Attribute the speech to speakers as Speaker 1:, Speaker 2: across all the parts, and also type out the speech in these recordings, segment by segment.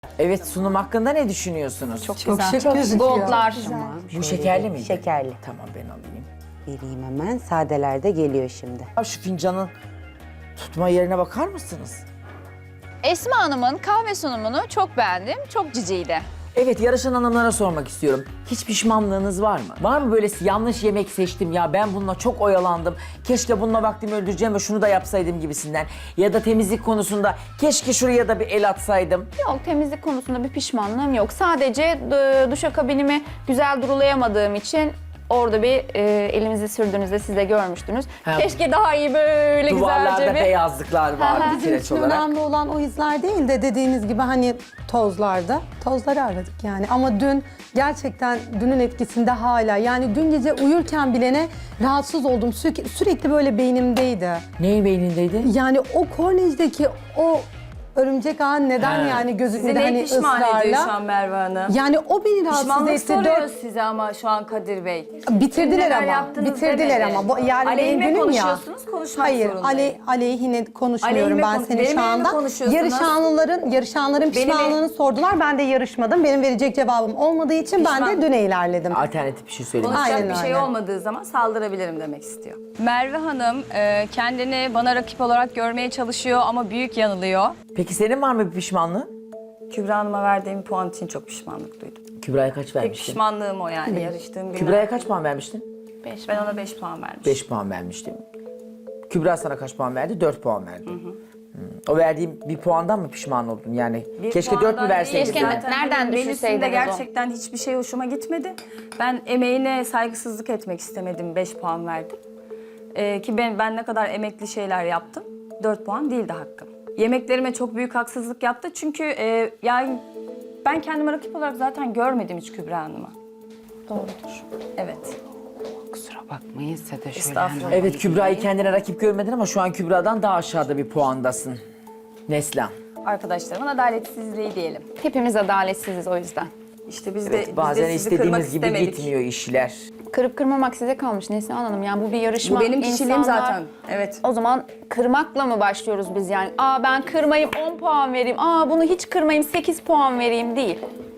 Speaker 1: Evet, sunum hakkında ne düşünüyorsunuz?
Speaker 2: Çok
Speaker 3: Çok
Speaker 2: güzel.
Speaker 3: şık gözüküyor.
Speaker 2: Goldlar.
Speaker 1: Bu şekerli miydi?
Speaker 4: Şekerli.
Speaker 1: Tamam, ben alayım.
Speaker 4: Vereyim hemen. Sadeler de geliyor şimdi.
Speaker 1: Ya şu fincanın tutma yerine bakar mısınız?
Speaker 2: Esma Hanım'ın kahve sunumunu çok beğendim. Çok ciciydi.
Speaker 1: Evet, yarışan hanımlara sormak istiyorum. Hiç pişmanlığınız var mı? Var mı böyle yanlış yemek seçtim ya, ben bununla çok oyalandım. Keşke bununla vaktimi öldüreceğim ve şunu da yapsaydım gibisinden. Ya da temizlik konusunda keşke şuraya da bir el atsaydım.
Speaker 2: Yok, temizlik konusunda bir pişmanlığım yok. Sadece duşakabinimi güzel durulayamadığım için orada bir elimizi sürdüğünüzde siz de görmüştünüz.
Speaker 1: Ha.
Speaker 2: Keşke daha iyi böyle
Speaker 1: Duvarlarda
Speaker 2: güzelce bir...
Speaker 1: beyazlıklar vardı
Speaker 2: Bizim
Speaker 3: Bizim
Speaker 1: kireç
Speaker 3: için
Speaker 1: olarak.
Speaker 3: önemli olan o izler değil de dediğiniz gibi hani tozlarda. Tozları aradık yani. Ama dün gerçekten dünün etkisinde hala. Yani dün gece uyurken bilene rahatsız oldum. Sürekli böyle beynimdeydi.
Speaker 1: Neyin beynindeydi?
Speaker 3: Yani o kornejdeki o örümcek ağ neden
Speaker 1: He.
Speaker 3: yani gözükmedi
Speaker 5: Sizi
Speaker 3: hani
Speaker 5: ne pişman ediyor şu
Speaker 3: ısrarla.
Speaker 5: an Merve Hanım?
Speaker 3: Yani o beni rahatsız
Speaker 5: Pişmanlık
Speaker 3: etti.
Speaker 5: soruyor size ama şu an Kadir Bey.
Speaker 3: Bitirdiler
Speaker 5: Neler
Speaker 3: ama.
Speaker 5: yaptınız
Speaker 3: Bitirdiler
Speaker 5: demedi.
Speaker 3: ama. Yani
Speaker 5: Aleyhime
Speaker 3: benim günüm ya.
Speaker 5: konuşuyorsunuz, konuşmak
Speaker 3: Hayır,
Speaker 5: zorundayım.
Speaker 3: aleyhine konuşmuyorum
Speaker 5: Aleyhime
Speaker 3: ben
Speaker 5: konuş-
Speaker 3: seni
Speaker 5: benim
Speaker 3: şu
Speaker 5: aleyhime
Speaker 3: anda.
Speaker 5: konuşuyorsunuz.
Speaker 3: Yarışanların pişmanlığını sordular. Ben de yarışmadım. Benim verecek cevabım olmadığı için ben de düne ilerledim.
Speaker 1: Alternatif bir şey söylemek
Speaker 5: Konuşacak
Speaker 3: Aynen
Speaker 5: bir şey
Speaker 3: öyle.
Speaker 5: olmadığı zaman saldırabilirim demek istiyor. Merve Hanım kendini bana rakip olarak görmeye çalışıyor ama büyük yanılıyor.
Speaker 1: Peki senin var mı bir pişmanlığın?
Speaker 5: Kübra Hanım'a verdiğim puan için çok pişmanlık duydum.
Speaker 1: Kübra'ya kaç
Speaker 5: Tek
Speaker 1: vermiştin?
Speaker 5: pişmanlığım o yani yarıştığım günler.
Speaker 1: Kübra'ya kaç puan vermiştin?
Speaker 5: Ben ona 5 puan vermişim.
Speaker 1: 5 puan vermiştim. Kübra sana kaç puan verdi? 4 puan verdi. O verdiğim bir puandan mı pişman oldun? Yani
Speaker 5: Bir
Speaker 1: keşke 4
Speaker 5: puandan
Speaker 1: mü verseydin?
Speaker 2: Keşke-
Speaker 5: Zaten
Speaker 2: Nereden
Speaker 5: benim
Speaker 2: düşürseydiniz
Speaker 5: menüsünde
Speaker 2: o?
Speaker 5: gerçekten hiçbir şey hoşuma gitmedi. Ben emeğine saygısızlık etmek istemedim. 5 puan verdim. Ki ben ne kadar emekli şeyler yaptım. 4 puan değildi hakkım. Yemeklerime çok büyük haksızlık yaptı. Çünkü yani ben kendimi rakip olarak zaten görmedim hiç Kübra Hanım'a.
Speaker 2: Doğrudur.
Speaker 5: Evet.
Speaker 4: Kusura bakmayın size de şöyle
Speaker 5: Estağfurullah.
Speaker 1: Evet, Kübra'yı kendine rakip görmedin ama şu an Kübra'dan daha aşağıda bir puandasın. Neslihan.
Speaker 5: Arkadaşlarımın adaletsizliği diyelim.
Speaker 2: Hepimiz adaletsiziz o yüzden.
Speaker 5: İşte biz
Speaker 1: Evet,
Speaker 5: de
Speaker 1: bazen
Speaker 5: sizi kırmak
Speaker 1: istediğimiz gibi
Speaker 5: istemedik.
Speaker 1: gitmiyor işler.
Speaker 2: Kırıp kırmamak size kalmış Neslihan Hanım. Yani bu bir yarışma.
Speaker 5: Bu benim kişiliğim
Speaker 2: İnsanlar-
Speaker 5: zaten. Evet.
Speaker 2: O zaman kırmakla mı başlıyoruz biz yani? Aa ben kırmayayım 10 puan vereyim. Aa bunu hiç kırmayayım 8 puan vereyim değil.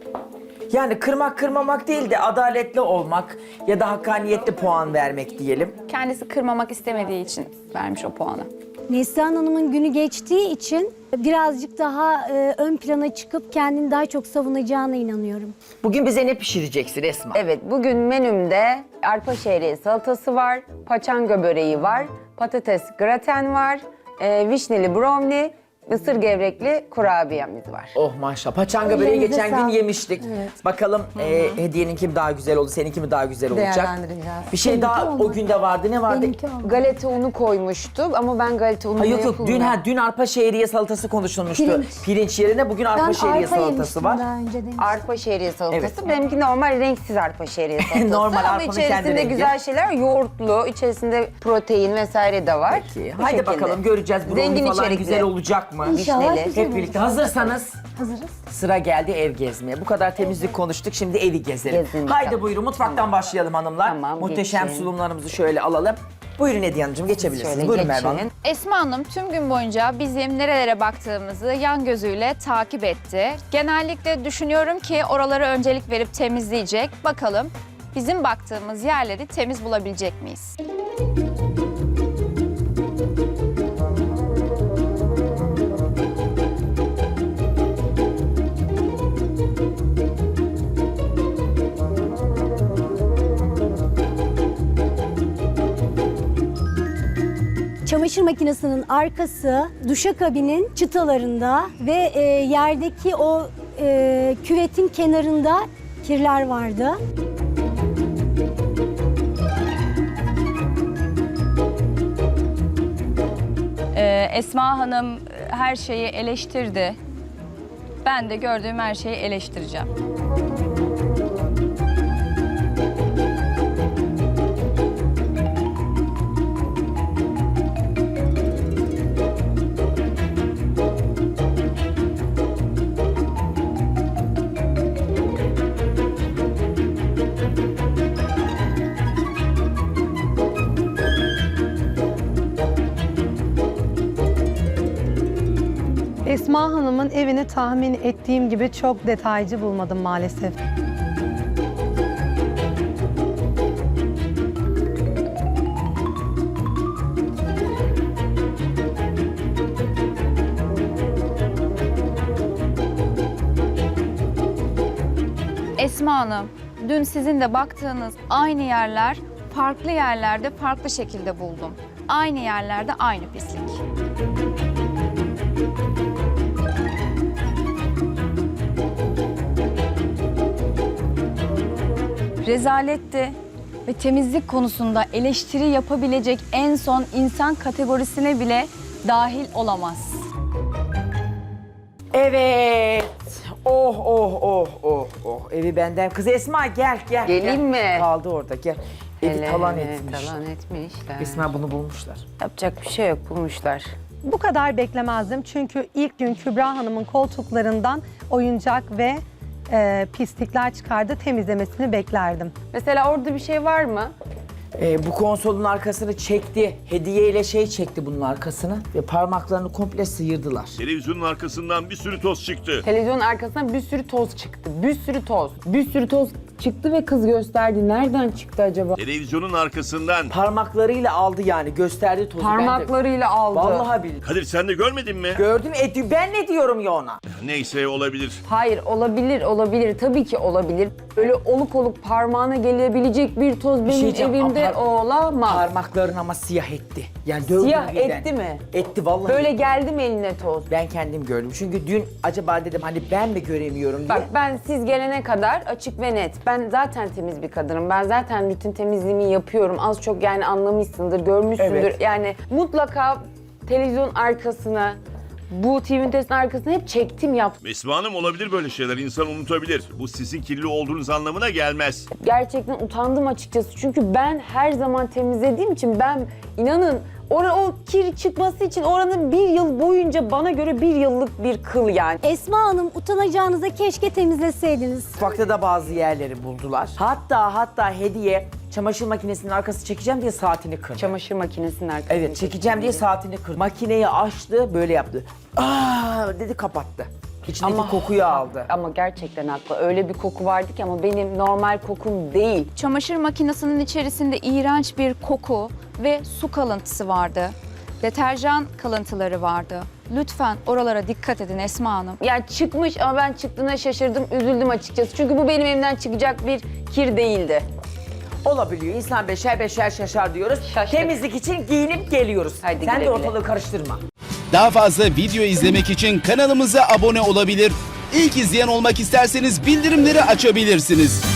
Speaker 1: Yani kırmak kırmamak değil de adaletli olmak ya da hakkaniyetli puan vermek diyelim.
Speaker 2: Kendisi kırmamak istemediği için vermiş o puanı.
Speaker 6: Neslihan Hanım'ın günü geçtiği için birazcık daha ön plana çıkıp kendini daha çok savunacağına inanıyorum.
Speaker 1: Bugün bize ne pişireceksin Esma?
Speaker 4: Evet, bugün menümde arpa şehriye salatası var, paçanga böreği var, patates graten var, vişneli brownie, mısır gevrekli kurabiyemiz var.
Speaker 1: Oh maşallah. Paçanga böreği
Speaker 3: Ellerinize
Speaker 1: geçen gün
Speaker 3: sağlık.
Speaker 1: yemiştik. Bakalım hediyeninki mi daha güzel oldu, seninki mi daha güzel olacak?
Speaker 3: Değerlendireceğiz.
Speaker 1: Bir şey daha o günde vardı. Ne vardı?
Speaker 3: Benimki oldu.
Speaker 4: Galeta unu koymuştu ama ben galeta unu
Speaker 1: Ha, yok
Speaker 4: yapılmıyor.
Speaker 1: dün arpa şehriye salatası konuşulmuştu. Pirinç yerine bugün arpa
Speaker 6: Ben
Speaker 1: şehriye
Speaker 6: arpa
Speaker 1: salatası
Speaker 6: yemiştim
Speaker 1: var.
Speaker 6: daha önce demiş.
Speaker 4: Arpa şehriye salatası.
Speaker 1: Evet.
Speaker 4: Benimki normal renksiz arpa şehriye salatası.
Speaker 1: Normal
Speaker 4: ama
Speaker 1: arpanın kendi
Speaker 4: içerisinde
Speaker 1: rengi.
Speaker 4: güzel şeyler, yoğurtlu, içerisinde protein vesaire de var.
Speaker 1: Peki.
Speaker 4: Bu
Speaker 1: Haydi
Speaker 4: şekilde.
Speaker 1: bakalım, göreceğiz. Brownie
Speaker 4: Zengin
Speaker 1: falan
Speaker 4: içerikli.
Speaker 1: güzel olacak mı?
Speaker 6: İnşallah
Speaker 4: vişneli.
Speaker 6: güzel
Speaker 1: Hep birlikte hazırsanız
Speaker 6: Hazırız.
Speaker 1: sıra geldi ev gezmeye. Bu kadar temizlik konuştuk, şimdi evi gezelim.
Speaker 4: Gezin
Speaker 1: Haydi
Speaker 4: bakalım.
Speaker 1: buyurun, mutfaktan başlayalım hanımlar.
Speaker 4: Tamam,
Speaker 1: Muhteşem
Speaker 4: geçin.
Speaker 1: sunumlarımızı şöyle alalım. Buyurun Hediye Hanımcığım, geçebilirsiniz.
Speaker 4: Şöyle
Speaker 1: Buyurun Merve
Speaker 4: geçin.
Speaker 1: Hanım.
Speaker 2: Esma Hanım tüm gün boyunca bizim nerelere baktığımızı yan gözüyle takip etti. Genellikle düşünüyorum ki oralara öncelik verip temizleyecek. Bakalım bizim baktığımız yerleri temiz bulabilecek miyiz?
Speaker 6: Çamaşır makinesinin arkası, duşakabinin çıtalarında ve yerdeki o küvetin kenarında kirler vardı.
Speaker 5: Esma Hanım her şeyi eleştirdi. Ben de gördüğüm her şeyi eleştireceğim.
Speaker 3: Esma Hanım'ın ev evini tahmin ettiğim gibi çok detaycı bulmadım maalesef.
Speaker 2: Esma Hanım, dün sizin de baktığınız aynı yerler farklı yerlerde farklı şekilde buldum. Aynı yerlerde aynı pislik.
Speaker 5: Rezaletti ve temizlik konusunda eleştiri yapabilecek en son insan kategorisine bile dahil olamaz.
Speaker 1: Evet. Oh oh oh oh oh. Evi benden. Kız Esma gel gel.
Speaker 4: Geleyim
Speaker 1: gel.
Speaker 4: mi?
Speaker 1: Kaldı orada gel. Evi
Speaker 4: Hele,
Speaker 1: talan
Speaker 4: hele,
Speaker 1: etmiş.
Speaker 4: Talan etmişler.
Speaker 1: Esma bunu bulmuşlar.
Speaker 4: Yapacak bir şey yok, bulmuşlar.
Speaker 3: Bu kadar beklemezdim çünkü ilk gün Kübra Hanım'ın koltuklarından oyuncak ve pislikler çıkardı, temizlemesini beklerdim.
Speaker 4: Mesela orada bir şey var mı?
Speaker 1: Bu konsolun arkasını çekti. Hediyeyle şey çekti bunun arkasını. Ve parmaklarını komple sıyırdılar.
Speaker 7: Televizyonun arkasından bir sürü toz çıktı.
Speaker 4: Televizyonun arkasından bir sürü toz çıktı. Bir sürü toz. Bir sürü toz çıktı ve kız gösterdi. Nereden çıktı acaba?
Speaker 7: Televizyonun arkasından.
Speaker 1: Parmaklarıyla aldı yani gösterdi tozu. Ben de-
Speaker 4: Parmaklarıyla aldı.
Speaker 1: Vallahi billahi.
Speaker 7: Kadir sen de görmedin mi?
Speaker 1: Gördüm ben ne diyorum ya ona?
Speaker 7: Neyse olabilir.
Speaker 4: Hayır, olabilir. Tabii ki olabilir. Böyle oluk oluk parmağına gelebilecek bir toz benim
Speaker 1: diyeceğim,
Speaker 4: evimde
Speaker 1: ama
Speaker 4: olamaz.
Speaker 1: Parmaklarını ama siyah etti. Yani dövdü
Speaker 4: Siyah
Speaker 1: birden.
Speaker 4: etti mi?
Speaker 1: Etti vallahi.
Speaker 4: Böyle geldi mi eline toz?
Speaker 1: Ben kendim gördüm. Çünkü dün acaba dedim hani ben mi göremiyorum diye.
Speaker 4: Bak ben siz gelene kadar açık ve net. Ben zaten temiz bir kadınım. Ben zaten rutin temizliğimi yapıyorum. Az çok yani anlamışsındır, görmüşsündür.
Speaker 1: Evet.
Speaker 4: Yani mutlaka televizyon arkasına, bu TV ünitesinin arkasına hep çektim yaptım.
Speaker 7: Esma Hanım olabilir böyle şeyler. İnsan unutabilir. Bu sizin kirli olduğunuz anlamına gelmez.
Speaker 4: Gerçekten utandım açıkçası. Çünkü ben her zaman temizlediğim için ben inanın o kir çıkması için oranın bir yıl boyunca bana göre bir yıllık bir kıl yani.
Speaker 6: Esma Hanım, utanacağınıza keşke temizleseydiniz.
Speaker 1: Mutfakta da bazı yerleri buldular. Hatta hediye çamaşır makinesinin arkası çekeceğim diye saatini kırdı.
Speaker 4: Çamaşır makinesinin arkasına.
Speaker 1: Evet çekeceğim diye saatini kırdı. Makineyi açtı böyle yaptı. Aa dedi kapattı. İçindeki kokuyu aldı.
Speaker 4: Ama gerçekten haklı. Öyle bir koku vardı ki ama benim normal kokum değil.
Speaker 2: Çamaşır makinesinin içerisinde iğrenç bir koku ve su kalıntısı vardı. Deterjan kalıntıları vardı. Lütfen oralara dikkat edin Esma Hanım.
Speaker 4: Yani çıkmış ama ben çıktığına şaşırdım, üzüldüm açıkçası. Çünkü bu benim evimden çıkacak bir kir değildi.
Speaker 1: Olabiliyor. İnsan beşer beşer şaşar diyoruz.
Speaker 4: Şaştık.
Speaker 1: Temizlik için giyinip geliyoruz.
Speaker 4: Haydi
Speaker 1: Sen
Speaker 4: güle
Speaker 1: de
Speaker 4: güle.
Speaker 1: ortalığı karıştırma.
Speaker 8: Daha fazla video izlemek için kanalımıza abone olabilir. İlk izleyen olmak isterseniz bildirimleri açabilirsiniz.